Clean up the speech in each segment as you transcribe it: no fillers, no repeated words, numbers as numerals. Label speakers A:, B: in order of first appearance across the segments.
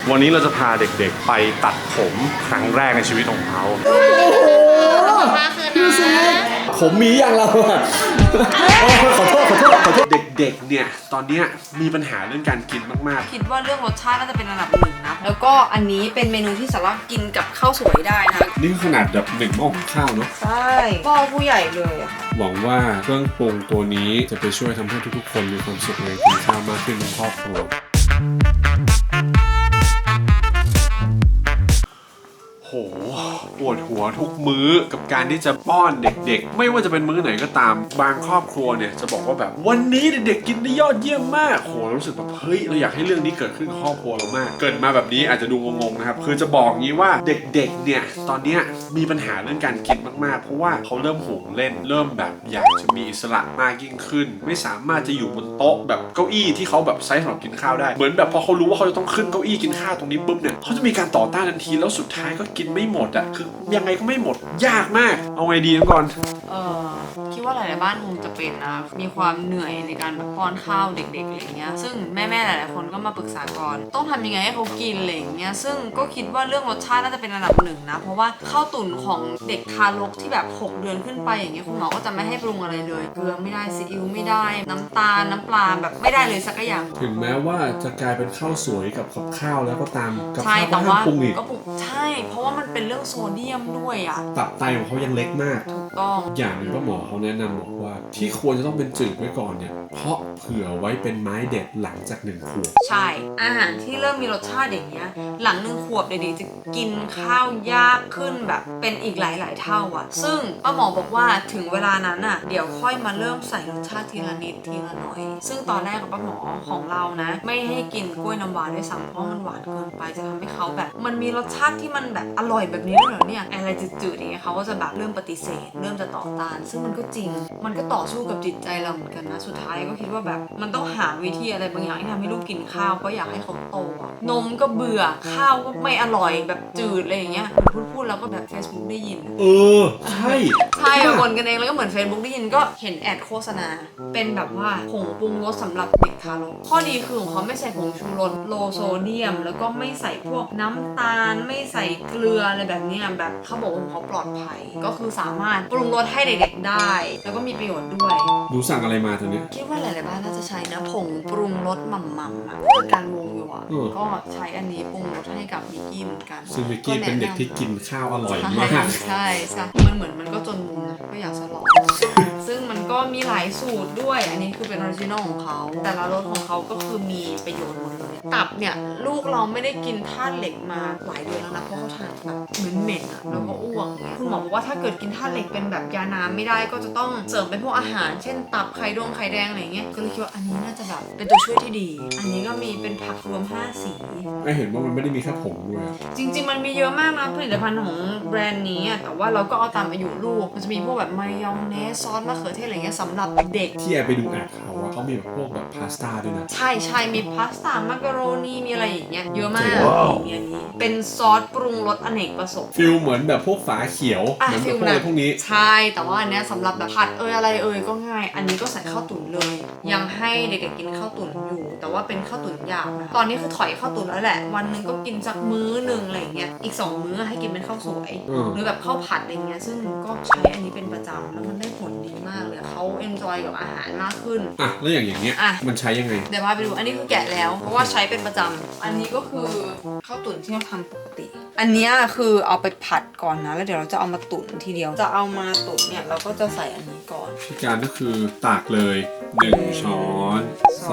A: วันนี้เราจะพาเด็กๆไปตัดผมครั้งแรกในชีวิตของเขา
B: ผมมีอย่างเราอะขอโทษเด็กๆเนี่ยตอนนี้มีปัญหาเรื่องการกินมาก
C: ๆคิดว่าเรื่องรสชาติน่าจะเป็นอันดับหนึ่งนะแล้วก็อันนี้เป็นเมนูที่สามารถกินกับข้าวสวยได้นะ
B: นี่ขนาดแบบ1 หม้อข้าวเนาะ
C: ใช่หม้อผู้ใหญ่เลยอะ
B: หวังว่าเครื่องปรุงตัวนี้จะไปช่วยทำให้ทุกๆคนมีความสุขในกินข้าวมากขึ้นในครอบครัวโหปวดหัวทุกมื้อกับการที่จะป้อนเด็กๆไม่ว่าจะเป็นมื้อไหนก็ตามบางครอบครัวเนี่ยจะบอกว่าแบบวันนี้เด็กๆกินได้ยอดเยี่ยมมากโหรู้สึกแบบเฮ้ยเราอยากให้เรื่องนี้เกิดขึ้นกับครอบครัวเรามากเกิดมาแบบนี้อาจจะดูงงๆนะครับคือจะบอกงี้ว่าเด็กๆเนี่ยตอนนี้มีปัญหาเรื่องการกินมากๆเพราะว่าเขาเริ่มห่วงเล่นเริ่มแบบอยากจะมีอิสระมากยิ่งขึ้นไม่สามารถจะอยู่บนโต๊ะแบบเก้าอี้ที่เขาแบบใช้สำหรับกินข้าวได้เหมือนแบบพอเขารู้ว่าเขาจะต้องขึ้นเก้าอี้กินข้าวตรงนี้ปุ๊บเนี่ยเขาจะมีการต่อต้านทันทีแล้วสุดท้ายก็กินไม่หมดอ่ะคือยังไงก็ไม่หมดยากมากเอาไงดีก่อน
C: คิดว่าหลายๆบ้านคงจะเป็นนะมีความเหนื่อยในการป้อนข้าวเด็กๆอะไรเงี้ยซึ่งแม่ๆหลายๆคนก็มาปรึกษาก่อนต้องทำยังไงให้เขากินอะไรเงี้ยซึ่งก็คิดว่าเรื่องรสชาติน่าจะเป็นอันดับหนึ่งนะเพราะว่าข้าวตุ๋นของเด็กทารกที่แบบ6 เดือนขึ้นไปอย่างเงี้ยคุณหมอก็จะไม่ให้ปรุงอะไรเลยเกลือไม่ได้ซีอิ๊วไม่ได้น้ำตาลน้ำปลาแบบไม่ได้เลยสักอย่าง
B: ถึงแม้ว่าจะกลายเป็นข้าวสวยกับข้าวแล้วก็ตามกับ
C: ข้าว
B: ก็ห้ามปรุงอีก
C: ใช่เพราะว่ามันเป็นเรื่องโซเดียมด้วยอ่ะ
B: ตับไตของเขายังเล็กมาก
C: ถูกต้อง
B: อย่างนึงก็หมอเขาแนะนำบอกว่าที่ควรจะต้องเป็นจืดไว้ก่อนเนี่ยเพราะเผื่อไว้เป็นไม้เด็ดหลังจาก1 ขวบ
C: ใช่อาหารที่เริ่มมีรสชาติอย่างเงี้ยหลัง1 ขวบเด็กๆจะกินข้าวยากขึ้นแบบเป็นอีกหลายๆเท่าอ่ะซึ่งป้าหมอบอกว่าถึงเวลานั้นอ่ะเดี๋ยวค่อยมาเริ่มใส่รสชาติทีละนิดทีละหน่อยซึ่งตอนแรกกับป้าหมอของเรานะไม่ให้กินกล้วยน้ำว้าด้วยซ้ำเพราะมันหวานเกินไปจะทำให้เขาแบบมันมีรสชาติที่มันแบบอร่อยแบบนี้ด้วยเหรอเนี่ยอะไรจืดๆอย่างเงี้ยเขาก็จะแบบเริ่มปฏิเสธเริ่มจะต่อต้านซึ่งมันก็จริงมันก็ต่อสู้กับจิตใจเราเหมือนกันนะสุดท้ายก็คิดว่าแบบมันต้องหาวิธีอะไรบางอย่างที่ทำให้ลูกกินข้าวก็อยากให้เขาโตนมก็เบื่อข้าวก็ไม่อร่อยแบบจืดอะไรอย่างเงี้ยพูดแล้วก็แบบ Facebook ได้ยิน
B: ใช่
C: บ่นกันเองแล้วก็เหมือน Facebook ได้ยินก็เห็นแอดโฆษณาเป็นแบบว่าผงปรุงรสสำหรับเด็กทารกข้อดีคือของเขาไม่ใส่ผงชูรสโลโซเดียมแล้วก็ไม่ใส่พวกน้ำตาลไม่ใส่เกลืออะไรแบบนี้แบบเขาบอกว่าเขาปลอดภัยก็คือสามารถปรุงรสให้เด็กๆได้แล้วก็มีประโยชน์ด้วย
B: ดูสั่งอะไรมาตอนนี้
C: คิดว่าหลายๆบ้านน่าจะใช้นะผงปรุงรสหม่ำๆเพื่อการวงอยู่ก็ใช้อันนี้ปรุงรสให้กับมิกกี้เหมือนกัน
B: ซึ่งมิกกี้เป็นเด็กที่กินข้าวอร่อยมาก
C: ใช่มันเหมือนมันก็จนมุมก็อยากสลองซึ่งมันก็มีหลายสูตรด้วยอันนี้คือเป็นออริจินอลของเขาแต่ละรสของเขาก็คือมีประโยชน์หมดเลยตับเนี่ยลูกเราไม่ได้กินธาตุเหล็กมาหลายเดือนแล้วนะเพราะเขาทานแบบเหม็นๆแล้วก็อ้วกเนี่ยคุณหมอบอกว่าถ้าเกิดกินธาตุเหล็กเป็นแบบยาน้ำไม่ได้ก็จะต้องเสริมเป็นพวกอาหารเช่นตับไข่แดงอะไรเงี้ยก็เลยคิดว่าอันนี้น่าจะแบบเป็นตัวช่วยที่ดีอันนี้ก็มีเป็นผักรวม5 สี
B: ไม่เห็นว่ามันไม่ได้มีแค่ผงด้วย
C: จริงๆมันมีเยอะมากนะผลิตภัณฑ์ของแบรนด์นี้แต่ว่าเราก็เอาตามอายุลูกมันจะมีพวกแบบมายองเนสซอสมะเขือเทศอะไรเงี้ยสำหรับเด็ก
B: ที่แอบไปดูแอดเขามีแบบพวกแบบพาสต้าด้วยนะ
C: ใช่มีพาสต้ามักกะโรนีมีอะไรอย่างเงี้ยเยอะมากมีอันนี้เป็นซอสปรุงรสอเนกประสงค์
B: ฟิลเหมือนแบบพวกฝาเขียวเหมือนพวกนี้
C: ใช่แต่ว่าอันเนี้ยสำหรับแบบผัดอะไรก็ง่ายอันนี้ก็ใส่ข้าวตุ๋นเลยยังให้เด็กๆกินข้าวตุ๋นอยู่แต่ว่าเป็นข้าวตุ๋นหยาบนะตอนนี้คือถอยข้าวตุ๋นแล้วแหละวันนึงก็กินสักมื้อนึงอะไรเงี้ยอีก2 มื้อให้กินเป็นข้าวสวยหรือแบบข้าวผัดอะไรเงี้ยซึ่งก็ใช้อันนี้เป็นประจำแล้วมันได้ผลดีมากเลยเขาเอนจอยกับอาหารมากขึ้น
B: แล้วอย่างเงี้ยมันใช้ยังไง
C: เดี๋ยวมาไปดูอันนี้คือแกะแล้วเพราะว่าใช้เป็นประจำอันนี้ก็คือข้าวตุ๋นที่เราทำปกติอันนี้คือเอาไปผัดก่อนนะแล้วเดี๋ยวเราจะเอามาตุ๋นทีเดียวจะเอามาตุ๋นเนี่ยเราก็จะใส่อันนี้ก่อน
B: วิธีการก็คือตากเลย1 ช้อน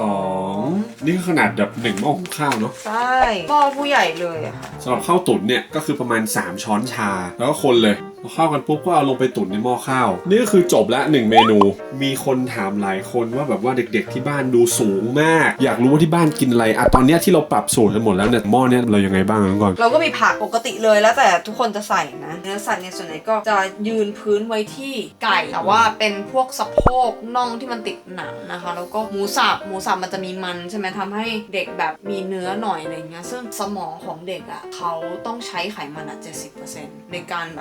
B: 2นี่คือขนาดแบบ1 หม้อข้าวเนาะ
C: ใช่หม้อผู้ใหญ่เลยอะค่ะ
B: สำหรับข้าวตุ๋นเนี่ยก็คือประมาณ3 ช้อนชาแล้วก็คนเลยพอเข้ากันปุ๊บก็เอาลงไปตุ๋นในหม้อข้าวนี่ก็คือจบละ1 เมนูมีคนถามหลายคนว่าแบบว่าเด็กๆที่บ้านดูสูงมากอยากรู้ว่าที่บ้านกินอะไรตอนนี้ที่เราปรับสูตรกันหมดแล้วเนี่ยหม้อเนี้ยเรายังไงบ้างก่อน
C: เราก็มีผักปกติเลยแล้วแต่ทุกคนจะใส่นะเนื้อสัตว์เนี่ยส่วนใหญ่ก็จะยืนพื้นไว้ที่ไก่แต่ว่าเป็นพวกสะโพกน่องที่มันติดหนังนะคะแล้วก็หมูสับมันจะมีมันใช่ไหมทำให้เด็กแบบมีเนื้อหน่อยอะไรเงี้ยซึ่งสมองของเด็กอ่ะเขาต้องใช้ไขมัน70%ในการแบบพัฒนา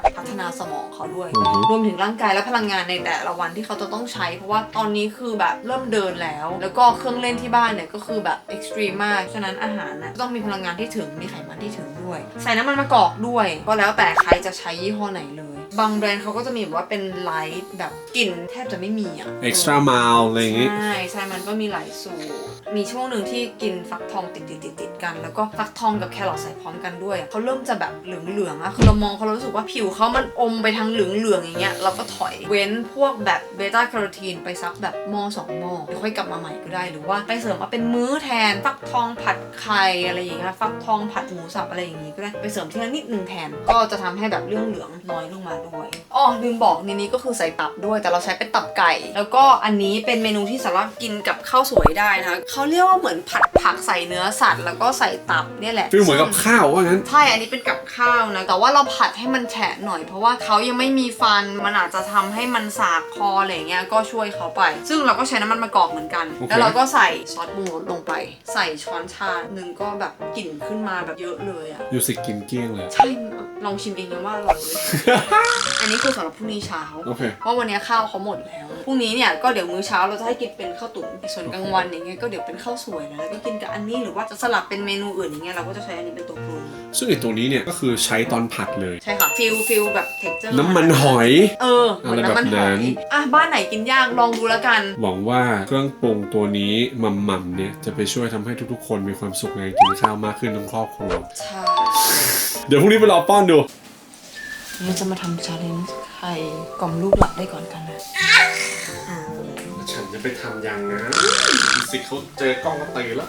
C: นาสมองเขาด้วยรวมถึงร่างกายและพลังงานในแต่ละวันที่เขาจะต้องใช้เพราะว่าตอนนี้คือแบบเริ่มเดินแล้วก็เครื่องเล่นที่บ้านเนี่ยก็คือแบบเอ็กซ์ตรีมมากฉะนั้นอาหารนะต้องมีพลังงานที่ถึงมีไขมันที่ถึงด้วยใส่น้ำมันมะกอกด้วยก็แล้วแต่ใครจะใช้ยี่ห้อไหนเลยบางแบรนด์เขาก็จะมีแบบว่าเป็นไลท์แบบกลิ่นแทบจะไม่มีอ่ะ
B: extra mild อะไรอย่างงี้
C: ใช่มันก็มีหลายสูตรมีช่วงหนึ่งที่กินฟักทองติดกันแล้วก็ฟักทองกับแครอทใส่พร้อมกันด้วยเขาเริ่มจะแบบเหลืองๆอะคือเรามองเขารู้สึกว่าผิวเขามันอมไปทางเหลืองๆอย่างเงี้ยเราก็ถอยเว้นพวกแบบเบต้าแคโรทีนไปสักแบบหม้อ2 หม้อเดี๋ยวค่อยกลับมาใหม่ก็ได้หรือว่าไปเสริมมาเป็นมื้อแทนฟักทองผัดไข่อะไรอย่างเงี้ยฟักทองผัดหมูสับอะไรอย่างงี้ก็ได้ไปเสริมทีละนิดนึงแทนก็จะทำให้แบบเรื่องเหลืองน้อยลงมาด้วยอ๋อลืมบอกในนี้ก็คือใส่ตับด้วยแต่เราใช้เป็นตับไก่แล้วก็อันนี้เป็นเมนูที่สามารถกินกับข้าวสวยได้นะคะเขาเรียกว่าเหมือนผัดผักใส่เนื้อสัตว์แล้วก็ใส่ตับเนี่ยแหละ
B: ฟีลเหมือนกับข้าวว่างั้น
C: ใช่อันนี้เป็นกับข้าวนะแต่ว่าเราผัดให้มันแฉะหน่อยเพราะว่าเขายังไม่มีฟันมันอาจจะทำให้มันสากคออะไรเงี้ยก็ช่วยเขาไปซึ่งเราก็ใช้น้ำมันมะกอกเหมือนกัน แล้วเราก็ใส่ซอสปรุงรสลงไปใส่ช้อนชาหนึ่งก็แบบกลิ่นขึ้นมาแบบเยอะเลยอะ
B: ยูสิกินเกลี้ยงเลย
C: ใช่ลองชิมเองนะว่าอร่อยเลย อันนี้คือสำหรับพรุ่งนี้เช้าเพราะวันนี้ข้าวเขาหมดแล้วพรุ่งนี้เนี่ยก็เดี๋ยวมื้อเช้าเราจะให้กินเป็นข้าวตุ๋นส่วนกลางวันอย่างเงี้ยก็เดี๋ยวเป็นข้าวสวยแล้วก็กินกับอันนี้หรือว่าจะสลับเป็นเมนูอื่นอย่างเงี้ยเราก็จะใช้อันนี้เป็นตัวปรุง
B: ซึ่งไอตัวนี้เนี่ยก็คือใช้ตอนผัดเลย
C: ใช่ค่ะฟิลแบบเท็กเจอร์
B: น้ำมันหอย
C: เหมือนน้ำมันหอยบ้านไหนกินยากลองดูแล้วกัน
B: หวังว่าเครื่องปรุงตัวนี้มัมเนี่ยจะไปช่วยทำให้ทุกๆคนมีความสุขในการกินข้าวมากขึ้นทั้งครอบครัว
C: ใช่
B: เดี๋ยวพรุ่งนี้ไปรอป้อนดู
C: เราจะมาทำชาเลนจ์ใครกล่อมลูกหลับได้ก่อนกันนะ
B: ฉันจะไปทำยังนะสิเขาเจอกล้องก็ตื่นแล้ว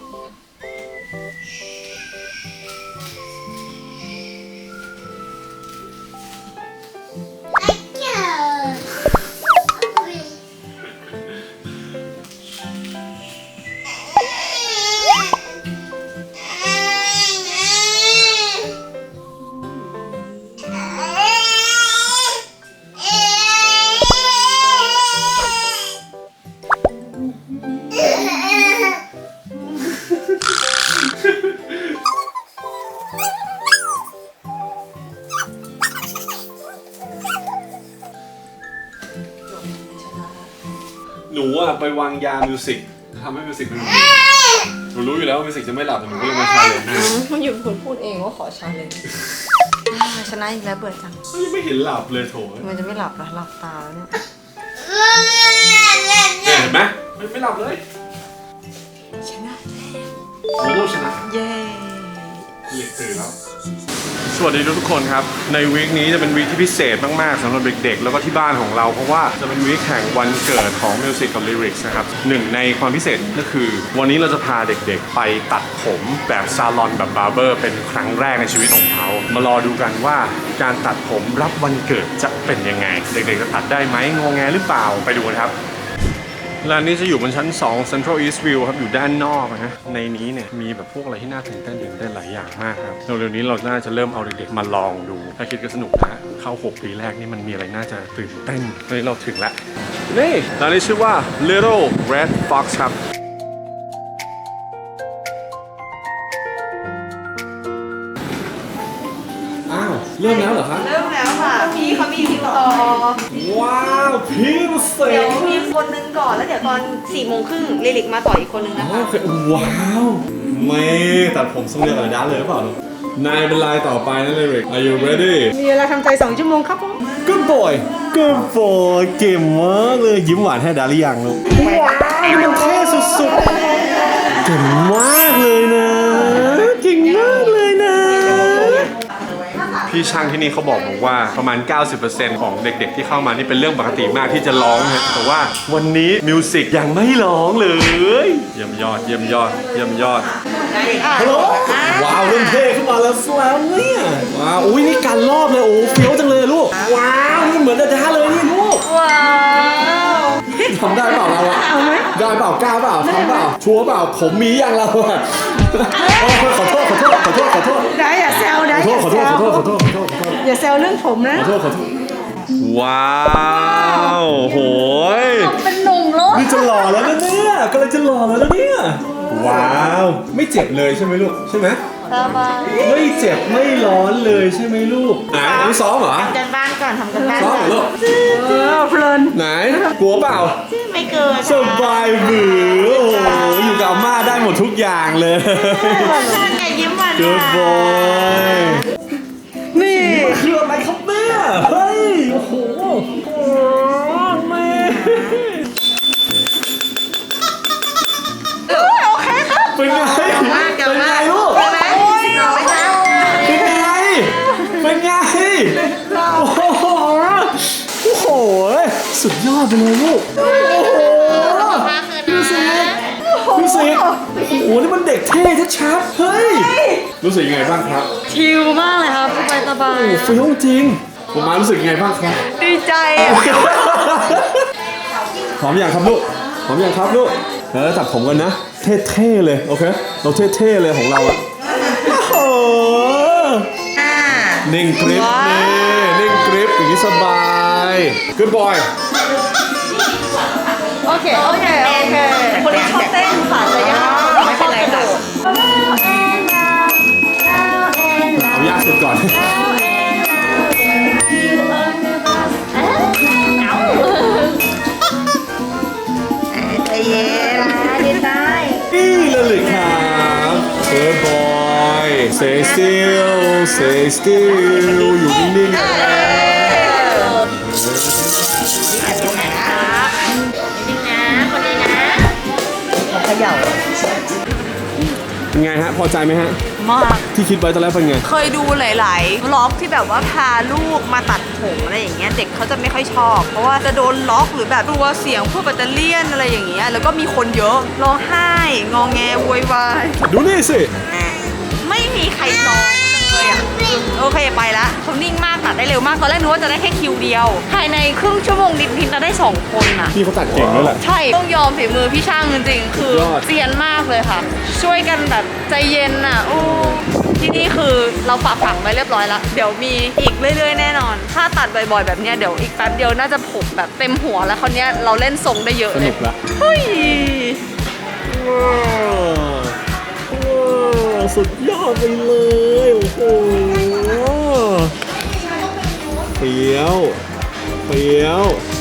B: หนูอะไปวางยามิวสิกทำให้มิวสิกหนูรู้อยู่แล้วว่ามิวสิกจะไม่หลับแต่หนูก็เลยมาชาเลนจ์
C: มันอยู่คนพูดเองว่าขอชาเลนจ์ชนะอีกแล้วเบื่อจัง
B: ยังไม่เห็นหลับเลยโถ
C: มันจะไม่หลับหรอหลับตาแล้วเนี่ย
B: เห็นไหมไม่หลับเลย
C: ชนะ
B: โอ้ชนะ
C: เย้
B: เรียกตื่นแล้ว
A: สวัสดีทุกคนครับในวีคนี้จะเป็นวีคที่พิเศษมากๆสำหรับเด็กๆแล้วก็ที่บ้านของเราเพราะว่าจะเป็นวีคแห่งวันเกิดของมิวสิกกับลิริกส์นะครับหนึ่งในความพิเศษก็คือวันนี้เราจะพาเด็กๆไปตัดผมแบบซาลอนแบบบาร์เบอร์เป็นครั้งแรกในชีวิตของเขามารอดูกันว่าการตัดผมรับวันเกิดจะเป็นยังไงเด็กๆจะตัดได้ไหมงงแงหรือเปล่าไปดูกันครับร้านนี้จะอยู่บนชั้น2 Central East View ครับอยู่ด้านนอกนะในนี้เนี่ยมีแบบพวกอะไรที่น่าตื่นเต้นได้หลายอย่างมากครับเร็วๆนี้เราน่าจะเริ่มเอาเด็กๆมาลองดูถ้าคิดก็สนุกนะเข้า6 ปีแรกนี่มันมีอะไรน่าจะตื่นเต้นตอนนี้เราถึงแล้วนี่ร้านนี้ชื่อว่า Little Red Fox ครับ
B: อ้าวเริ่มแล้วเหรอครับ
C: เริ่มแล้วค่ะพี่เขามีติดต่อ
B: ว้าวพี่เสก
C: เดี๋ยวมีคนนึงก่อนแล้วเดี๋ยวตอน4:30ลิลิกมาต่ออีกคนนึงนะคะ
B: ว้าวไม่ตัดผมทรงเดียวกับด้านเลยหรือเปล่านายเป็นลายต่อไปนะลิริก Are you ready
D: มีเวลาทำใจ2 ชั่วโมงครับผม
B: Good boy Good boy เก่งมากเลยยิ้มหวานให้ดาหรือยังลูกว้าวมันเท่สุดๆเก่งมากเลยนะเก่งมากเลยนะ
A: พี่ช่างที่นี่เขาบอกว่าประมาณ 90% ของเด็กๆที่เข้ามานี่เป็นเรื่องปกติมากที่จะร้องนะแต่ว่าวันนี้มิวสิกยังไม่ร้องเลยเยี่ยมยอด
B: ฮัลโหลว้าวเริ่มเท่ขึ้นมาแล้วเนี่ยว้าวอุ้ยนี่การรอบเลยโอ้เฟี้ยวจังเลยลูกว้าวนี่เหมือนดาเลยนี่ลูก
C: ว้าว
B: ทำได้เปล่าเราอะได้เปล่ากล้าเปล่าทำเปล่าชัวร์เปล่าผมมีอย่างเราอะขอโทษ
D: ได้อย่าแซวได้
B: ขอโทษ
D: อย่าแซวเรื่องผมนะ
B: ขอโทษ
A: ว้าวโหย
C: เป็นหนุ่มแล้ว
B: นี่จะหล่อแล้วนะเนี่ยกำลังจะหล่อแล้วนะเนี่ยว้าวไม่เจ็บเลยใช่ไหมลูกใช่ไหม
C: สบาย
B: ไม่เจ็บไม่ร้อนเลยใช่ไหมลูกไหนอันนี้ซ้อมเหรอ
C: ทำกันบ้านก่อนทำกันบ้าน
B: ซ้อม
C: ก่อน
B: เหรอลูก
D: เพลิน
B: ไหนกลัวเปล่า
C: ไม่เกิน
B: สบายบือโอ้โหอยู่กับอาม่าได้หมดทุกอย่างเลย
C: ท่านอย่ายิ้มหวาน
B: Good boy
D: นี่
B: คืออะไรครับแม่เฮ้ยโอ้โหแม่
C: โอเคครับ
B: เป็นไงเป็นไงลูก
C: ใช่ไหมเราไปนะ
B: เป็นไงเป็นไงโอ้โหโอ้โหสุดยอดไปเลยลูกโอ้โห
C: มาคืนนะ
B: พี่สิโอ้โหนี่มันเด็กเท่ชัดๆเฮ้ยรู้สึกยังไงบ้างครับ
C: ชิลมากเลยครับสบายสบาย
B: โอ้ฟิลจริงผมมารู้สึกยังไงบ้างครับ
C: ดีใจอ่ะ
B: หอมอย่างครับลูกหอมอย่างครับลูกแล้วตัดผมกันนะ เท่ๆเลยโอเคเราเท่ๆเลยของเราอะโอ้โหนิ่งกริปนี่นิ่งกริปอย่างนี้สบาย Good boy
C: โอเคโอเคคนที่ชอบเต้นค่ะจะยากไม่เป็นไรค่ะ
B: เอายากสุดก่อน
C: ใจเย็นดีใจ
B: นี่เลยครับ Good boy Stay still Stay still อยู่นิ่งๆนะเป็นไงฮะ พอใจไหมฮะ
C: มาก
B: ที่คิดไว้ตอนแรกเป็นไง
C: เคยดูหลายๆล็อกที่แบบว่าพาลูกมาตัดผมอะไรอย่างเงี้ยเด็กเขาจะไม่ค่อยชอบ เพราะว่าจะโดนล็อกหรือแบบกลัวเสียงพวกแบตเตอรี่ยนอะไรอย่างเงี้ยแล้วก็มีคนเยอะร้องไห้งอแงโวยวาย
B: ดูนี่สิ
C: ไม่มีใครร้องเลยอ่ะโอเคไปละเขานิ่งมากตัดได้เร็วมากตอนแรกนึกว่าจะได้แค่คิวเดียวภายในครึ่งชั่วโมงนิดๆเราได้2 คนอ่ะ
B: พี่เขาตัดเก่งด้วยแหละ
C: ใช่ต้องยอมฝีมือพี่ช่างจริงๆ คือย
B: อด
C: เซียนมากเลยค่ะ ช่วยกันแบบใจเย็นอ่ะโอ้ที่นี่คือเราฝากฝังไว้เรียบร้อยแล้วเดี๋ยวมีอีกเรื่อยๆแน่นอน ถ้าตัดบ่อยๆแบบเนี้ยเดี๋ยวอีกแป๊บเดียวน่าจะผมแบบเต็มหัวแล้วคราวเนี้ยเราเล่นทรงได้เยอะ
B: ส
C: เล
B: นุ
C: ย
B: กละ
C: เฮ้ย
B: สุดยอดไปเลยโอ้โหเฟี้ยว